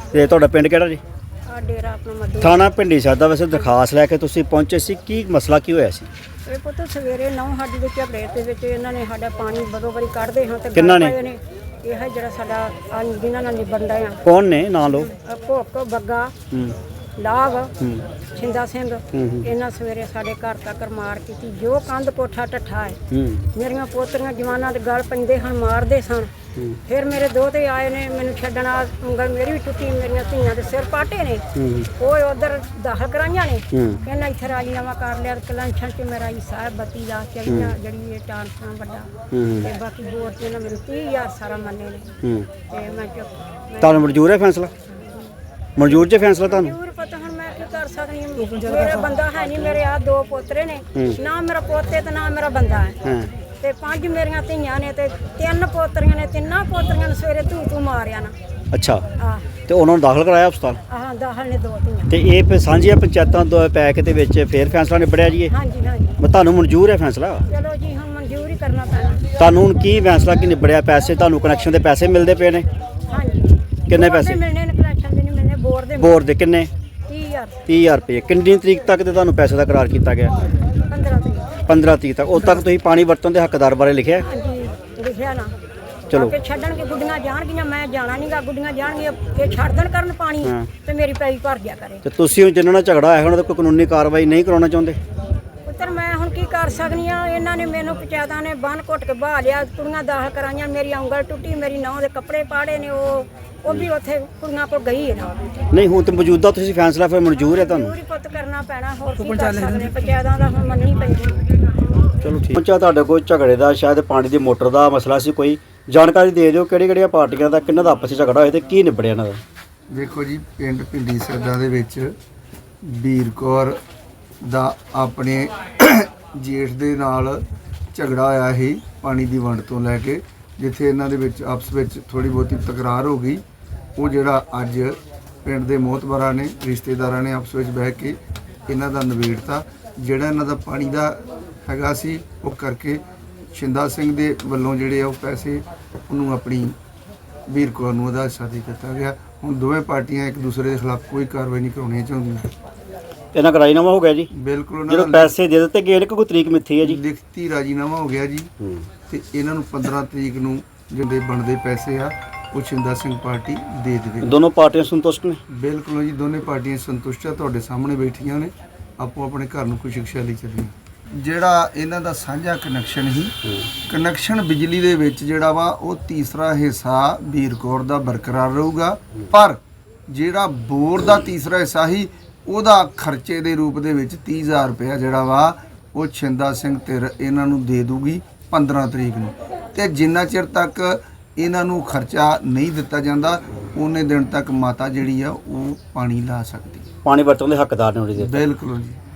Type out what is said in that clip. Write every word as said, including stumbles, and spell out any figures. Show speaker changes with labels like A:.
A: ਤੇ ਤੁਹਾਡਾ ਪਿੰਡ ਕਿਹੜਾ ਜੀ?
B: ਆ ਡੇਰਾ ਆਪਣਾ ਮੱਦੂ
A: ਥਾਣਾ ਪਿੰਡੀ ਸਾਹਿਬ ਦਾ ਵੈਸੇ ਦਰਖਾਸਤ ਲੈ ਕੇ ਤੁਸੀਂ ਪਹੁੰਚੇ ਸੀ, ਕੀ ਮਸਲਾ ਕੀ ਹੋਇਆ ਸੀ?
B: ਇਹ ਪੁੱਤ ਸਵੇਰੇ ਨੌ ਸਾਡੀ ਦੇ ਝਗੜੇ ਦੇ ਵਿੱਚ ਇਹਨਾਂ ਨੇ ਸਾਡਾ ਪਾਣੀ ਬਦੋ ਬਰੀ ਕੱਢਦੇ ਹਾਂ ਤੇ
A: ਕਿਹਨਾਂ ਨੇ?
B: ਗੱਲ ਪਏ ਇਹ ਹੈ ਜਿਹੜਾ ਸਾਡਾ ਆ ਜਿਨ੍ਹਾਂ ਨਾਲ ਨਿਬੜਦਾ ਆ
A: ਕੌਣ ਨੇ, ਨਾਂ ਲਓ।
B: ਭੁੱਕ ਬੱਗਾ
A: ਹੂੰ
B: ਲਾਭ
A: ਹੂੰ
B: ਛਿੰਦਾ ਸਿੰਘ
A: ਹੂੰ
B: ਇਹਨਾਂ ਸਵੇਰੇ ਸਾਡੇ ਘਰ ਤੱਕ ਮਾਰ ਕੀਤੀ। ਜੋ ਕੰਧ ਕੋਠਾ ਟੱਠਾ ਹੈ
A: ਹੂੰ
B: ਮੇਰੀਆਂ ਪੋਤਰੀਆਂ ਜਵਾਨਾਂ ਦੇ ਗਲ ਪੈਂਦੇ ਹਨ, ਮਾਰਦੇ ਸਨ।
A: ਹੂੰ
B: ਫਿਰ ਮੇਰੇ ਦੋਤੇ ਆਏ ਨੇ ਮੈਨੂੰ ਛੱਡਣਾ, ਉਂਗਲ ਮੇਰੀ ਵੀ ਟੁੱਟੀ, ਮੇਰੀਆਂ ਧੀਆਂ ਦੇ ਸਿਰ ਪਾਟੇ ਨੇ।
A: ਹੂੰ
B: ਉਹ ਉਧਰ ਦਾਖਲ ਕਰਾਈਆਂ ਨੇ।
A: ਹੂੰ
B: ਕਹਿੰਦਾ ਇੱਥੇ ਰਾਜੀਨਾਮਾ ਕਰ ਲਿਆ, ਕਲੰਛਣ ਚ ਮੇਰਾ ਹੀ ਸਾਹਿਬ ਬੱਤੀ ਦਾ ਚੜੀਆਂ ਜਿਹੜੀ ਇਹ ਟਾਂਸਾਂ ਵੱਡਾ
A: ਹੂੰ
B: ਤੇ ਬਾਕੀ ਬੋਰ ਤੇ ਇਹਨਾਂ ਮੈਨੂੰ ਤੀਹ ਹਜ਼ਾਰ ਸਾਰਾ ਮੰਨੇ ਨੇ
A: ਹੂੰ
B: ਤੇ ਮੈਂ ਚੁੱਪ
A: ਤੁਹਾਨੂੰ ਮਨਜ਼ੂਰ ਹੈ ਫੈਸਲਾ? ਮਨਜ਼ੂਰ ਜੇ ਫੈਸਲਾ ਤੁਹਾਨੂੰ?
B: ਜ਼ਰੂਰ ਪਤਾ ਹੁਣ ਮੈਂ ਕੀ ਕਰ ਸਕਦੀ ਹਾਂ। ਮੇਰਾ ਬੰਦਾ ਹੈ ਨਹੀਂ, ਮੇਰੇ ਆ ਦੋ ਪੋਤਰੇ ਨੇ, ਨਾ ਮੇਰਾ ਪੋਤੇ ਤੇ ਨਾ ਮੇਰਾ ਬੰਦਾ ਹੈ
A: ਹਾਂ
B: ਤੇ ਪੰਜ ਮੇਰੀਆਂ ਧੀਆਂ ਨੇ ਤੇ ਤਿੰਨ ਪੋਤਰੀਆਂ ਨੇ। ਤਿੰਨਾਂ ਪੋਤਰੀਆਂ ਨੂੰ ਸਵੇਰੇ ਧੂ ਧੂ ਮਾਰਿਆ ਨਾ।
A: ਅੱਛਾ,
B: ਆਹ
A: ਤੇ ਉਹਨਾਂ ਨੂੰ ਦਾਖਲ ਕਰਾਇਆ ਹਸਪਤਾਲ?
B: ਆਹ ਦਾਖਲ ਨੇ ਦੋ ਧੀਆਂ।
A: ਤੇ ਇਹ ਫਿਰ ਸਾਂਝੀਆਂ ਪੰਚਾਇਤਾਂ ਦੋ ਪੈਕ ਦੇ ਵਿੱਚ ਫੇਰ ਫੈਸਲਾ ਨਿਬੜਿਆ ਜੀ ਇਹ?
B: ਹਾਂਜੀ ਹਾਂਜੀ
A: ਮੈਂ ਤੁਹਾਨੂੰ ਮਨਜ਼ੂਰ ਹੈ ਫੈਸਲਾ?
B: ਚਲੋ ਜੀ ਹੁਣ ਮਨਜ਼ੂਰ ਹੀ ਕਰਨਾ ਪੈਣਾ।
A: ਤੁਹਾਨੂੰ ਹੁਣ ਕੀ ਫੈਸਲਾ ਕੀ ਨਿਬੜਿਆ? ਪੈਸੇ ਤੁਹਾਨੂੰ ਕਨੈਕਸ਼ਨ ਦੇ ਪੈਸੇ ਮਿਲਦੇ ਪਏ ਨੇ?
B: ਹਾਂਜੀ
A: ਕਿੰਨੇ
B: ਬੋਰ ਦੇ
A: ਪੈਸੇ?
B: ਮਿਲਣੇ ਨੇ, ਕਲੈਕਸ਼ਨ ਦੇ ਨਹੀਂ ਮਿਲਣੇ, ਬੋਰ ਦੇ
A: ਬੋਰ ਦੇ ਕਿੰਨੇ?
B: ਤੀਹ ਹਜ਼ਾਰ
A: ਤੀਹ ਹਜ਼ਾਰ ਰੁਪਏ। ਕਿੰਨੀ ਤਰੀਕ ਤੱਕ ਤੇ ਤੁਹਾਨੂੰ ਪੈਸੇ ਦਾ ਕਰਾਰ ਕੀਤਾ ਗਿਆ?
B: ਪੰਦਰਾਂ ਤਰੀਕ।
A: ਪੰਦਰਾਂ ਤਰੀਕ ਤੱਕ। ਉਦੋਂ ਤੱਕ ਤੁਸੀਂ ਪਾਣੀ ਵਰਤਣ ਦੇ ਹੱਕਦਾਰ ਬਾਰੇ ਲਿਖਿਆ?
B: ਹਾਂਜੀ ਲਿਖਿਆ ਨਾ।
A: ਚਲੋ
B: ਕਿ ਛੱਡਣਗੇ, ਗੁੱਡੀਆਂ ਜਾਣਗੀਆਂ, ਮੈਂ ਜਾਣਾ ਨਹੀਂਗਾ। ਗੁੱਡੀਆਂ ਜਾਣਗੀਆਂ ਇਹ ਛੱਡ ਦੇਣ ਕਰਨ ਪਾਣੀ
A: ਹਾਂ।
B: ਤੇ ਮੇਰੀ ਪੈਈ ਭਰ ਗਿਆ ਕਰੇ।
A: ਤੇ ਤੁਸੀਂ ਹੁਣ ਜਿਨ੍ਹਾਂ ਨਾਲ ਝਗੜਾ ਹੋਇਆ ਉਹਨਾਂ ਦਾ ਕੋਈ ਕਾਨੂੰਨੀ ਕਾਰਵਾਈ ਨਹੀਂ ਕਰਾਉਣਾ ਚਾਹੁੰਦੇ?
B: ਪੁੱਤਰ ਮੈਂ ਹੁਣ ਕੀ ਕਰ ਸਕਦੀ ਆ? ਇਹਨਾਂ ਨੇ ਮੈਨੂੰ ਪੰਚਾਇਤਾਂ ਨੇ ਬੰਨ ਘੁੱਟ ਕੇ ਬਾਹ ਲਿਆ, ਕੁੜੀਆਂ ਦਾਖਲ ਕਰਾਈਆਂ, ਮੇਰੀ ਉਂਗਲ ਟੁੱਟੀ, ਮੇਰੀ ਨੌਂ ਦੇ ਕੱਪੜੇ ਪਾੜੇ ਨੇ। ਉਹ ਉਹ ਵੀ ਉੱਥੇ ਕੁੜੀਆਂ ਕੋਲ ਗਈ ਹੈ ਨਾ।
A: ਨਹੀਂ, ਹੁਣ ਤੇ ਮੌਜੂਦਾ ਤੁਸੀਂ ਫੈਸਲਾ ਫਿਰ ਮਨਜ਼ੂਰ ਹੈ ਤੁਹਾਨੂੰ?
B: ਜ਼ਰੂਰੀ ਪੁੱਤ ਕਰਨਾ ਪੈਣਾ, ਹੋਰ ਕੀ ਕਰ ਸਕਦੇ? ਪੰਚਾਇਤਾਂ ਦਾ ਹੁਣ ਮੰਨਣੀ ਪੈਂਦੀ।
A: ਚਲੋ ਠੀਕ। ਪਹੁੰਚਾ ਤੁਹਾਡੇ ਕੋਲ ਝਗੜੇ ਦਾ, ਸ਼ਾਇਦ ਪਾਣੀ ਦੀ ਮੋਟਰ ਦਾ ਮਸਲਾ ਸੀ, ਕੋਈ ਜਾਣਕਾਰੀ ਦੇ ਦਿਓ ਕਿਹੜੀ ਕਿਹੜੀਆਂ ਪਾਰਟੀਆਂ ਦਾ ਕਿੰਨਾਂ ਦਾ ਆਪਸ ਵਿੱਚ ਝਗੜਾ ਹੋਇਆ ਤੇ ਕੀ ਨਿਬੜਿਆ ਇਹਨਾਂ ਦਾ?
C: ਦੇਖੋ ਜੀ, ਪਿੰਡ ਪਿੰਡੀ ਸਰਦਾ ਦੇ ਵਿੱਚ ਵੀਰ ਕੌਰ ਦਾ ਆਪਣੇ ਜੇਠ ਦੇ ਨਾਲ ਝਗੜਾ ਹੋਇਆ ਸੀ ਪਾਣੀ ਦੀ ਵੰਡ ਤੋਂ ਲੈ ਕੇ, ਜਿੱਥੇ ਇਹਨਾਂ ਦੇ ਵਿੱਚ ਆਪਸ ਵਿੱਚ ਥੋੜੀ ਬਹੁਤੀ ਤਕਰਾਰ ਹੋ ਗਈ। ਉਹ ਜਿਹੜਾ ਅੱਜ ਪਿੰਡ ਦੇ ਮੋਹਤਬਰਾਂ ਨੇ, ਰਿਸ਼ਤੇਦਾਰਾਂ ਨੇ ਆਪਸ ਵਿੱਚ ਬਹਿ ਕੇ ਇਹਨਾਂ ਦਾ ਨਿਬੇੜਤਾ। ਜਿਹੜਾ ਇਹਨਾਂ ਦਾ ਪਾਣੀ ਦਾ ਹੈਗਾ ਸੀ ਉਹ ਕਰਕੇ ਛਿੰਦਾ ਸਿੰਘ ਦੇ ਵੱਲੋਂ ਜਿਹੜੇ ਆ ਉਹ ਪੈਸੇ ਉਹਨੂੰ ਆਪਣੀ ਵੀਰ ਕੌਰ ਨੂੰ ਉਹਦਾ ਹਿੱਸਾ ਦੇ ਦਿੱਤਾ ਗਿਆ। ਹੁਣ ਦੋਵੇਂ ਪਾਰਟੀਆਂ ਇੱਕ ਦੂਸਰੇ ਦੇ ਖਿਲਾਫ ਕੋਈ ਕਾਰਵਾਈ ਨਹੀਂ ਕਰਾਉਣੀ ਚਾਹੁੰਦੀਆਂ।
A: ਇਹਨਾਂ ਦਾ ਰਾਜੀਨਾਮਾ ਹੋ ਗਿਆ ਜੀ?
C: ਬਿਲਕੁਲ। ਉਹਨਾਂ
A: ਜਦੋਂ
C: ਦਾ
A: ਪੈਸੇ ਦੇ ਦਿੱਤੇ ਗਏ ਨੇ, ਕੋਈ ਤਰੀਕ ਮਿੱਥੀ ਹੈ ਜੀ?
C: ਲਿਖਤੀ ਰਾਜੀਨਾਮਾ ਹੋ ਗਿਆ ਜੀ ਤੇ ਇਹਨਾਂ ਨੂੰ ਪੰਦਰਾਂ ਤਰੀਕ ਨੂੰ ਜਿਹੜੇ ਬਣਦੇ ਪੈਸੇ ਆ ਉਹ ਛਿੰਦਾ ਸਿੰਘ ਪਾਰਟੀ ਦੇ ਦੇਵੇ।
A: ਦੋਨੋਂ ਪਾਰਟੀਆਂ ਸੰਤੁਸ਼ਟ ਨੇ?
C: ਬਿਲਕੁਲ ਜੀ, ਦੋਨੇ ਪਾਰਟੀਆਂ ਸੰਤੁਸ਼ਟ ਆ, ਤੁਹਾਡੇ ਸਾਹਮਣੇ ਬੈਠੀਆਂ ਨੇ, ਆਪੋ ਆਪਣੇ ਘਰ ਨੂੰ ਖੁਸ਼ੀ ਖੁਸ਼ਹਾਲੀ ਚੱਲੀਆਂ। ਜਿਹੜਾ ਇਹਨਾਂ ਦਾ ਸਾਂਝਾ ਕਨੈਕਸ਼ਨ ਸੀ, ਕਨੈਕਸ਼ਨ ਬਿਜਲੀ ਦੇ ਵਿੱਚ ਜਿਹੜਾ ਵਾ ਉਹ ਤੀਸਰਾ ਹਿੱਸਾ ਵੀਰ ਕੌਰ ਦਾ ਬਰਕਰਾਰ ਰਹੂਗਾ, ਪਰ ਜਿਹੜਾ ਬੋਰ ਦਾ ਤੀਸਰਾ ਹਿੱਸਾ ਸੀ ਉਹਦਾ ਖਰਚੇ ਦੇ ਰੂਪ ਦੇ ਵਿੱਚ ਤੀਹ ਹਜ਼ਾਰ ਰੁਪਇਆ ਜਿਹੜਾ ਵਾ ਉਹ ਛਿੰਦਾ ਸਿੰਘ ਧਿਰ ਇਹਨਾਂ ਨੂੰ ਦੇ ਦੂਗੀ ਪੰਦਰਾਂ ਤਰੀਕ ਨੂੰ। ਤੇ ਜਿੰਨਾ ਚਿਰ ਤੱਕ ਇਹਨਾਂ ਨੂੰ ਖਰਚਾ ਨਹੀਂ ਦਿੱਤਾ ਜਾਂਦਾ ਉਹਨੇ ਦਿਨ ਤੱਕ ਮਾਤਾ ਜਿਹੜੀ ਆ ਉਹ ਪਾਣੀ ਲਾ ਸਕਦੀ।
A: ਪਾਣੀ ਵਰਤਣ ਦੇ ਹੱਕਦਾਰ ਨੇ ਉਹਦੇ?
C: ਬਿਲਕੁਲ ਜੀ।